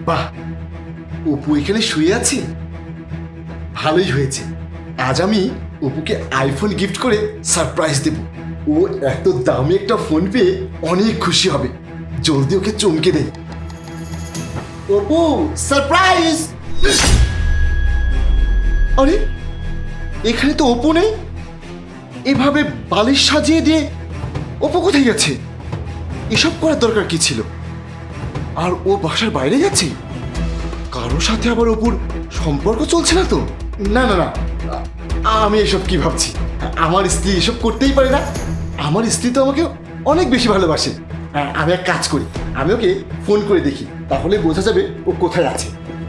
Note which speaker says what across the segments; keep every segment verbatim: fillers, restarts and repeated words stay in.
Speaker 1: বাহ, অপু এখানে শুয়ে আছে। ভালোই হয়েছে, আজ আমি অপুকে আইফোন গিফট করে সারপ্রাইজ দেব। ও এত দামি একটা ফোন পেয়ে অনেক খুশি হবে। জলদি ওকে চমকে দেয়। অপু সারপ্রাইজ! আরে এখানে তো অপু নেই। এভাবে বালিশ সাজিয়ে দিয়ে অপু কোথায় গেছে? এসব করার দরকার কি ছিল? আর ও বাসার বাইরে যাচ্ছে? কারোর সাথে আবার অপুর সম্পর্ক চলছে না তো? না না না, আমি এসব কি ভাবছি? আমার স্ত্রী এসব করতেই পারে না। আমার স্ত্রী তো আমাকে অনেক বেশি ভালোবাসে। আমি এক কাজ করি, আমি ওকে ফোন করে দেখি, তাহলে বোঝা যাবে ও কোথায় আছে।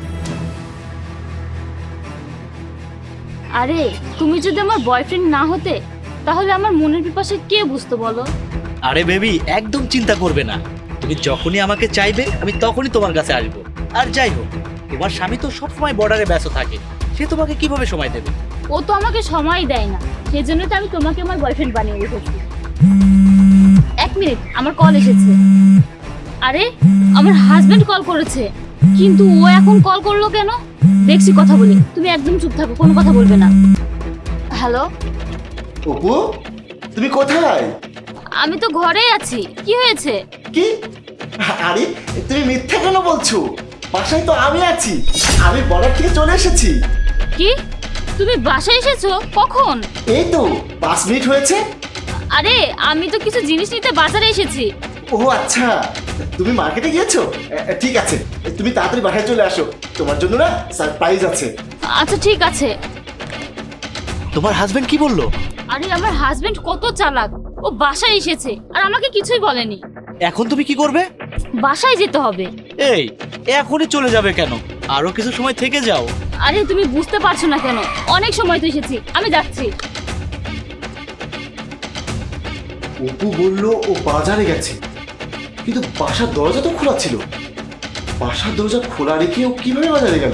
Speaker 2: আরে তুমি যদি আমার বয়ফ্রেন্ড না হতে তাহলে আমার মনের পিপাসা কে বুঝতো বলো?
Speaker 3: আরে বেবি, একদম চিন্তা করবে না। তুমি যখনই আমাকে চাইবে আমি তখনই তোমার কাছে আসবো। আর যাই হোক, তোমার স্বামী তো সবসময় বর্ডারে ব্যস্ত থাকে, সে তোমাকে কিভাবে সময় দেবে?
Speaker 2: ও তো আমাকে সময় দেয় না, সেই জন্য তো আমি তোমাকে আমার বয়ফ্রেন্ড বানিয়ে রেখেছি। এক মিনিট, আমার কল এসেছে। আরে আমার হাজবেন্ড কল করেছে, কিন্তু ও এখন কল করলো কেন? দেখছি, কথা বলি। তুমি একদম চুপ থাকো, কোনো কথা বলবে না। হ্যালো
Speaker 1: অপু, তুমি কোথায়?
Speaker 2: আমি তো ঘরেই আছি। কি হয়েছে?
Speaker 1: কি? আরে তুমি মিথ্যা কেন বলছো? বাসায় তো আমি আছি, আমি বর্ডার থেকে চলে এসেছি।
Speaker 2: কি? তুমি বাসায় এসেছো? কখন?
Speaker 1: এই তো পাঁচ মিনিট হয়েছে।
Speaker 2: আরে আমি তো কিছু জিনিস নিতে বাজারে এসেছি।
Speaker 1: ও আচ্ছা, তুমি মার্কেটে গিয়েছো? এ, ঠিক আছে, তুমি তাড়াতাড়ি বাসায় চলে আসো, তোমার জন্য না সারপ্রাইজ আছে।
Speaker 2: আচ্ছা ঠিক আছে।
Speaker 3: তোমার হাজবেন্ড কি বললো?
Speaker 2: আরে আমার হাজবেন্ড কত চালাক, ও বাসায় এসেছে আর আমাকে কিছুই বলেনি।
Speaker 3: এখন তুমি কি করবে?
Speaker 2: বাসায় যেতে হবে।
Speaker 3: এই, এখনই চলে যাবে কেন? আরো কিছু সময় থেকে যাও।
Speaker 2: আরে তুমি বুঝতে পারছো না কেন? অনেক সময় তো এসেছি, আমি যাচ্ছি।
Speaker 1: অপু বলল ও বাজারে গেছে, কিন্তু বাসার দরজা তো খোলা ছিল। বাসার দরজা খোলা রেখে ও কিভাবে বাজারে গেল?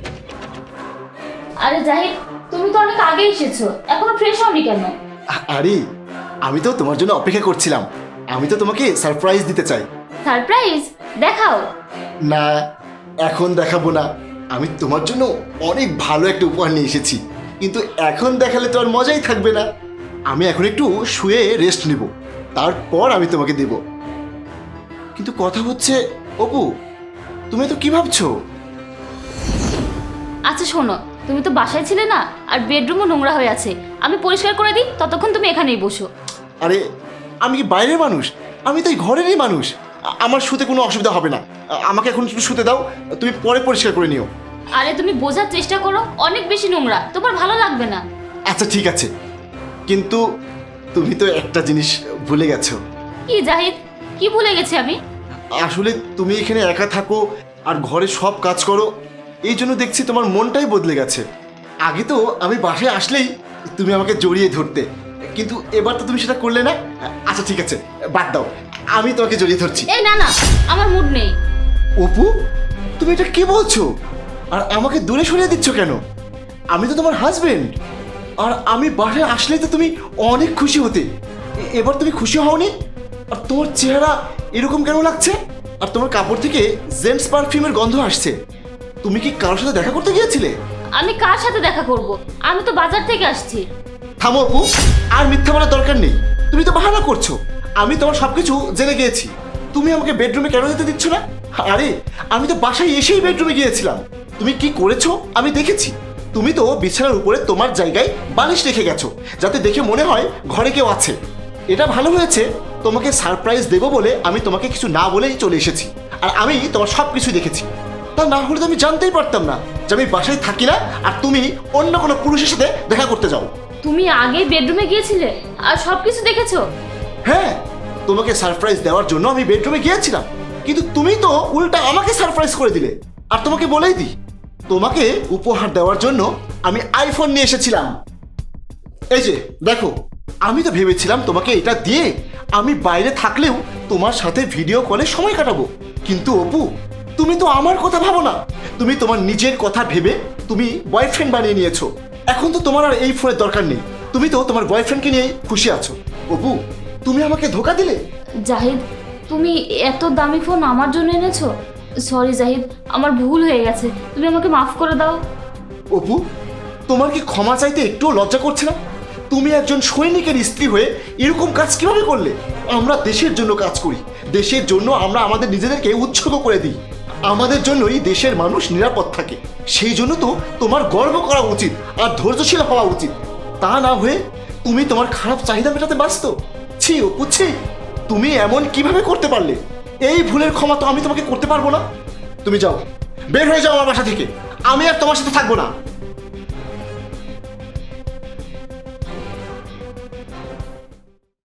Speaker 2: আরে জাহিদ, তুমি তো অনেক আগে এসেছো, এখনো ফ্রেশ হওনি কেন?
Speaker 1: আ- আরে আমি তো তোমার জন্য অপেক্ষা করছিলাম। আমি তো তোমাকে সারপ্রাইজ দিতে চাই।
Speaker 2: সারপ্রাইজ? দেখাও।
Speaker 1: না, এখন দেখাবো না। আমি তোমার জন্য অনেক ভালো একটা উপহার নিয়ে এসেছি, কিন্তু এখন দেখালে তো আর মজাই থাকবে না। আমি এখন একটু শুয়ে রেস্ট নিব, তারপর আমি তোমাকে দেব। কিন্তু কথা হচ্ছে অপু, তুমি তো কি ভাবছো?
Speaker 2: আচ্ছা শোনো, তুমি তো বাসায় ছিলে না, আর বেডরুমও নোংরা হয়ে আছে। আমি পরিষ্কার করে দিই, ততক্ষণ তুমি এখানেই বসো।
Speaker 1: আরে আমি কি বাইরের মানুষ? আমি তো এই ঘরেরই মানুষ। আ- আমার শুতে কোনো অসুবিধা হবে না। আ- আমাকে এখন একটু শুতে দাও, তুমি পরে পরিষ্কার করে নিও।
Speaker 2: আরে তুমি বোঝার চেষ্টা করো, অনেক বেশি নোংরা, তোমার ভালো লাগবে না।
Speaker 1: আচ্ছা ঠিক আছে, কিন্তু তুমি তো একটা জিনিস ভুলে গেছো।
Speaker 2: কি জাহিদ, কি ভুলে গেছি আমি?
Speaker 1: আসলে তুমি এখানে একা থাকো আর ঘরে সব কাজ করো, এই জন্য দেখছি তোমার মনটাই বদলে গেছে। আগে তো আমি বাসায় আসলেই তুমি আমাকে জড়িয়ে ধরতে, কিন্তু এবার তো তুমি সেটা করলে না। আচ্ছা ঠিক আছে, বাদ দাও, আমি তোমাকে জড়িয়ে ধরছি।
Speaker 2: এই না না, আমার মুড নেই।
Speaker 1: অপু, তুমি এটা কি বলছো? আর আমাকে দূরে সরিয়ে দিচ্ছ কেন? আমি তো তোমার হাজবেন্ড, আর আমি বাসায় আসলেই তো তুমি অনেক খুশি হতে। এ- এবার তুমি খুশি হওনি? আর তোমার চেহারা এরকম কেন লাগছে? আর তোমার কাপড় থেকে জেন্টস পারফিউমের গন্ধ আসছে। তুমি কি কারোর সাথে দেখা করতে গিয়েছিলে?
Speaker 2: আমি কার সাথে দেখা করব? আমি তো বাজার থেকে আসছি।
Speaker 1: থামো অপু, আর মিথ্যা বলার দরকার নেই। তুমি তো বাহানা করছো। আমি তোমার সবকিছু জেনে গিয়েছি। তুমি আমাকে বেডরুমে কেন যেতে দিচ্ছ না? আরে আমি তো বাসায় এসেই বেডরুমে গিয়েছিলাম। তুমি কি করেছো আমি দেখেছি। তুমি তো বিছানার উপরে তোমার জায়গায় বালিশ রেখে গেছো, যাতে দেখে মনে হয় ঘরে কেউ আছে। এটা ভালো হয়েছে, তোমাকে সারপ্রাইজ দেবো বলে আমি তোমাকে কিছু না বলেই চলে এসেছি। আর আমি তোমার সব কিছু দেখেছি। তা না হলে তো আমি জানতেই পারতাম না যে আমি বাসায় থাকি না আর তুমি অন্য কোনো পুরুষের সাথে দেখা করতে যাও।
Speaker 2: তুমি আগে বেডরুমে গিয়েছিলে আর সবকিছু দেখেছো?
Speaker 1: হ্যাঁ, তোমাকে সারপ্রাইজ দেওয়ার জন্য আমি বেডরুমে গিয়েছিলাম, কিন্তু তুমি তো উল্টা আমাকে সারপ্রাইজ করে দিলে। আর তোমাকে বলেই দিই, তোমাকে উপহার দেওয়ার জন্য আমি আইফোন নিয়ে এসেছিলাম। এই যে দেখো, আমি তো ভেবেছিলাম তোমাকে এটা দিয়ে আমি বাইরে থাকলেও তোমার সাথে ভিডিও কলে সময় কাটাবো। কিন্তু অপু, তুমি তো আমার কথা ভাবো না। তুমি তোমার নিজের কথা ভেবে তুমি বয়ফ্রেন্ড বানিয়ে নিয়েছো। এখন তো তোমার আর এই ফোনের দরকার নেই। তুমি তো তোমার বয়ফ্রেন্ডকে নিয়েই খুশি আছো। অপু, তুমি আমাকে ধোকা দিলে।
Speaker 2: জাহিদ, তুমি এত দামি ফোন আমার জন্য এনেছো? সরি জাহিদ, আমার ভুল হয়ে গেছে, তুমি আমাকে মাফ করে দাও।
Speaker 1: অপু, তোমার কি ক্ষমা চাইতে একটুও লজ্জা করছে না? তুমি একজন সৈনিকের স্ত্রী হয়ে এরকম কাজ কিভাবে করলে? আমরা দেশের জন্য কাজ করি, দেশের জন্য আমরা আমাদের নিজেদেরকে উৎসর্গ করে দিই, আমাদের জন্যই দেশের মানুষ নিরাপদ থাকে। সেই জন্য তো তোমার গর্ব করা উচিত আর ধৈর্যশীল হওয়া উচিত। তা না হয়ে তুমি তোমার খারাপ চাহিদা মেটাতে ব্যস্ত। ছি অপু, ছি, তুমি এমন কিভাবে করতে পারলে? এই ভুলের ক্ষমা তো আমি তোমাকে করতে পারবো না। তুমি যাও, বের হয়ে যাও আমার বাসা থেকে, আমি আর তোমার সাথে থাকবো না।